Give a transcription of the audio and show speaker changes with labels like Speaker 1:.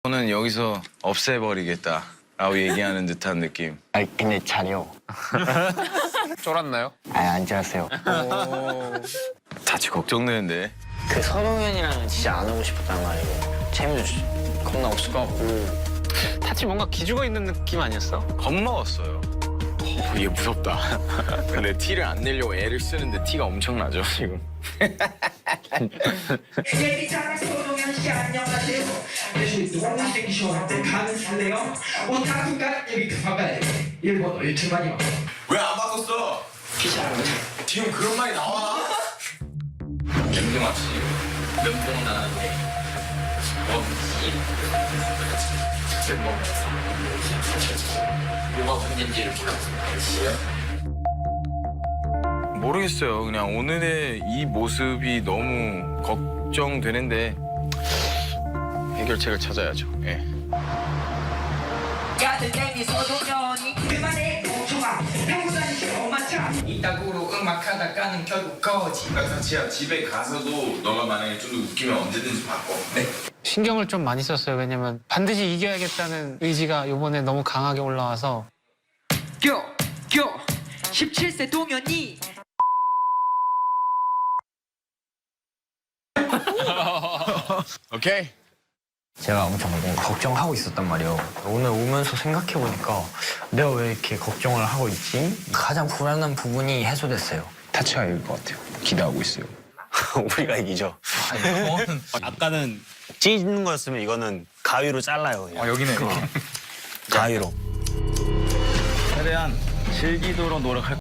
Speaker 1: 저는 여기서 없애버리겠다 라고 얘기하는 듯한 느낌.
Speaker 2: 아니 근데 잘해요.
Speaker 3: 쫄았나요?
Speaker 2: 아니 안 잘했어요.
Speaker 1: 다치 걱정되는데.
Speaker 2: 그 선홍현이랑은 진짜 안 하고 싶었단 말이고 재미도 겁나 없을 것 같고.
Speaker 3: 타치 뭔가 기죽어 있는 느낌 아니었어?
Speaker 1: 겁먹었어요. 얘 무섭다. 근데 티를 안 내려고 애를 쓰는데 티가 엄청나죠 지금.
Speaker 4: 예비자랑 소동현 씨 안녕하세요. 그래서 너무 땡기 시원한데 가는 살래요? 오타쿠가 여기 급한가요? 일본어 유튜브만요.
Speaker 1: 왜 안 바꿨어?
Speaker 4: 기사를
Speaker 1: 지금 그런 말이 나와?
Speaker 2: 김도 맞지. 면봉 나는데. 뭐가 문제인지를 몰랐어요.
Speaker 1: 모르겠어요. 그냥 오늘의 이 모습이 너무 걱정되는데 해결책을 찾아야죠. 예.
Speaker 4: 야들 땡기 소동현이 그만해 공초가 하고 다니시 엄마차 이따구로 음악하다 까는 결국 거지.
Speaker 1: 다치야 집에 가서도 너가 만약에 좀 더 웃기면 언제든지 바꿔. 네.
Speaker 3: 신경을 좀 많이 썼어요. 왜냐면 반드시 이겨야겠다는 의지가 이번에 너무 강하게 올라와서.
Speaker 4: 교 17세 동현이
Speaker 1: 오케이.
Speaker 2: 제가 엄청 걱정하고 있었단 말이에요. 오늘 오면서 생각해보니까 내가 왜 이렇게 걱정을 하고 있지? 가장 불안한 부분이 해소됐어요.
Speaker 1: 타치가 이길 것 같아요. 기대하고 있어요.
Speaker 5: 우리가 이기죠. 아까는 찢는 거였으면 이거는 가위로 잘라요. 그냥.
Speaker 1: 여기네.
Speaker 5: 가위로.
Speaker 1: 최대한 즐기도록 노력할